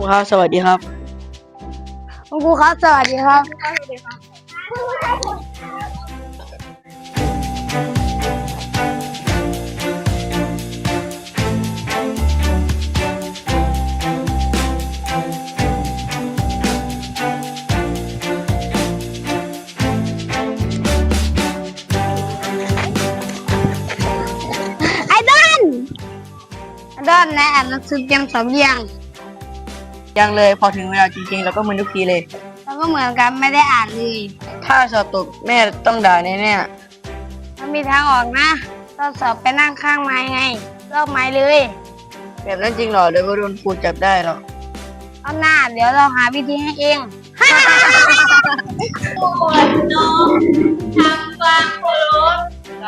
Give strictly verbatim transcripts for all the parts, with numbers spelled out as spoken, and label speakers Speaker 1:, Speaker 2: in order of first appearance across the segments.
Speaker 1: ครับสวัสดีครับ
Speaker 2: คุณครูครับสวัสดีครับไอ้ดอนไอ้ดอนนายอ่านหนังสือเตรียมสอบยัง
Speaker 1: ยังเลยพอถึงเวลาจริงๆเราก็เหมือนทุกทีเลย
Speaker 2: เราก็เหมือนกันไม่ได้อ่านเลย
Speaker 1: ถ้าสอบตกแม่ต้องด่าแน่
Speaker 2: มันมีทางออกนะเราสอบไปนั่งข้างไม้ไงลอกไม้เลย
Speaker 1: ๆแบบนั้นจริงเหรอเดี๋ยวก็โดนครูจับได้หรอก
Speaker 2: เอาหน้าเดี๋ยวเราหาวิธีให้เองปวดน้องทำความเคารพ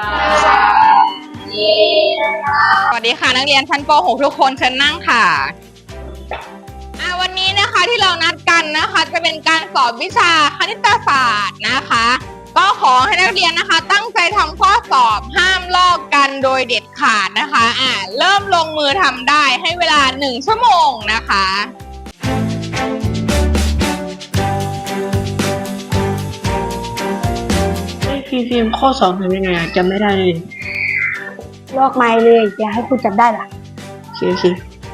Speaker 3: สวัสดีค่ะนักเรียนชั้นป หก ทุกคนเชิญนั่งค่ะอ่ะ วันนี้นะคะที่เรานัดกันนะคะจะเป็นการสอบวิชาคณิตศาสตร์นะคะ ก็ขอให้นักเรียนนะคะ ตั้งใจทำข้อสอบห้ามลอกกันโดยเด็ดขาดนะคะอ่ะเริ่มลงมือทำได้ให้เวลาหนึ่งชั่วโมงนะคะ
Speaker 1: พี่ฟิล์มข้อสอบทำยังไงจำไม่ได้เลย
Speaker 2: ลอกไม้เลยอย่าให้ครูจับได้ล่ะ
Speaker 1: โอเคโอเค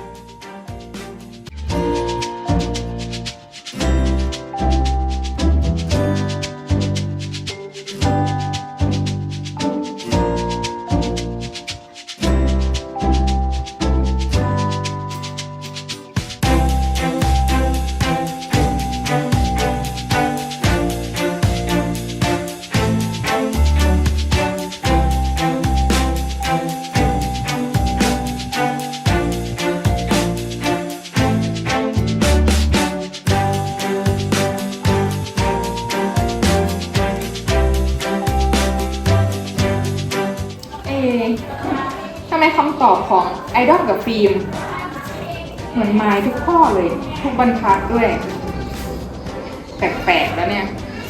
Speaker 3: เอ๊ะทำไมคำตอบของไอดอลกับฟิล์มเหมือนไม้ทุกข้อเลยทุกบรรทัดด้วย แปลกๆแล้วเนี่ย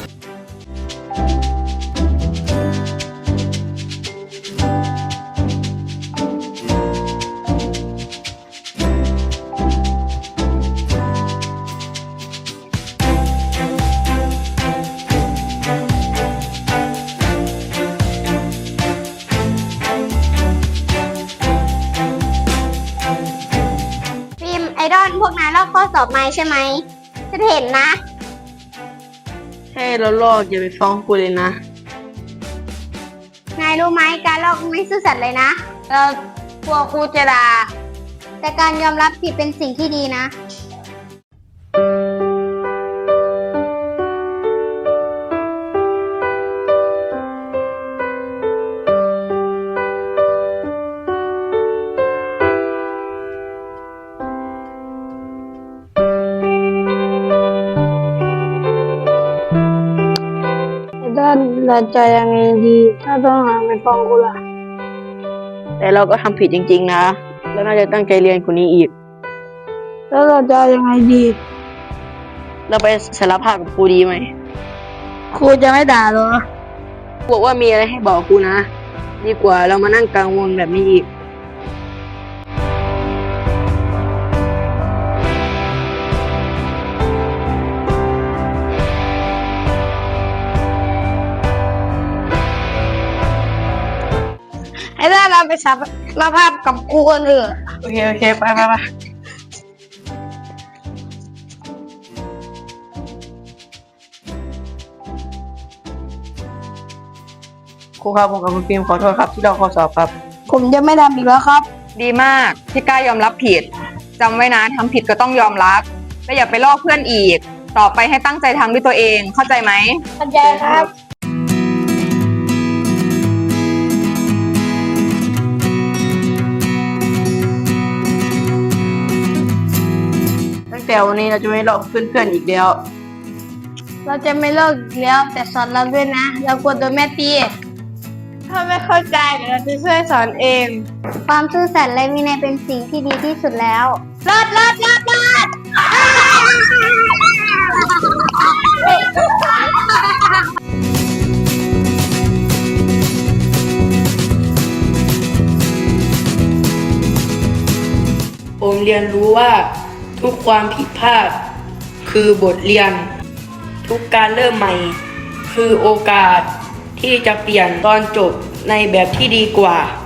Speaker 2: ฟิล์มไอดอลพวกนายลอกข้อสอบไม้ใช่ไหมฉันเห็นนะ
Speaker 1: ให้เราลอกอย่าไปฟ้องครูเลยนะ
Speaker 2: นายรู้ไหมการลอกไม่ซื่อสัตย์เลยนะเรากลัวครูจะด่าแต่การยอมรับผิดเป็นสิ่งที่ดีนะด้านเราจะยังไงดีถ้าต้องหาไปฟ้องกูล่ะ
Speaker 1: แต่เราก็ทำผิดจริงๆนะแล้วน่าจะตั้งใจเรียนกว่านี้อีก
Speaker 2: แล้วเราจะยังไงดี
Speaker 1: เราไปสารภาพกับครูดีไหม
Speaker 2: ครูจะไม่ด่าเหรอ
Speaker 1: บอกว่ามีอะไรให้บอกครูนะดีกว่าเรามานั่งกังวลแบบนี้อีก
Speaker 2: ไอ้ด้านเราไปสารภาพกับครูกันเถอะ
Speaker 1: โอเคโอเคไปไปไปครูครับผมกับคุณฟิล์มขอโทษครับที่เราข้อสอบครับ
Speaker 2: ผมจะไม่ทำอีกแล้วครับ
Speaker 3: ดีมากที่กล้ายอมรับผิดจำไว้นะทำผิดก็ต้องยอมรับและอย่าไปลอกเพื่อนอีก ต่อไปให้ตั้งใจทำด้วยตัวเองเข้าใจไหม
Speaker 2: เข้าใจครับ
Speaker 1: ตั้งแต่วันนี้เราจะไม่ลอกเพื่อนๆอีกแล้ว
Speaker 2: เราจะไม่เลิกอีกแล้วแต่สอนเราด้วยนะ เรากลัวโดนแม่ตีถ้าไม่เข้าใจเดี๋ยวเราจะช่วยสอนเอง ความซื่อสัตย์และวินัยเป็นสิ่งที่ดีที่สุดแล้วเลิศเลิศเลิศเลิศ
Speaker 1: ผมเรียนรู้ว่าทุทุกความผิดพลาดคือบทเรียน ทุกการเริ่มใหม่คือโอกาสที่จะเปลี่ยนตอนจบในแบบที่ดีกว่า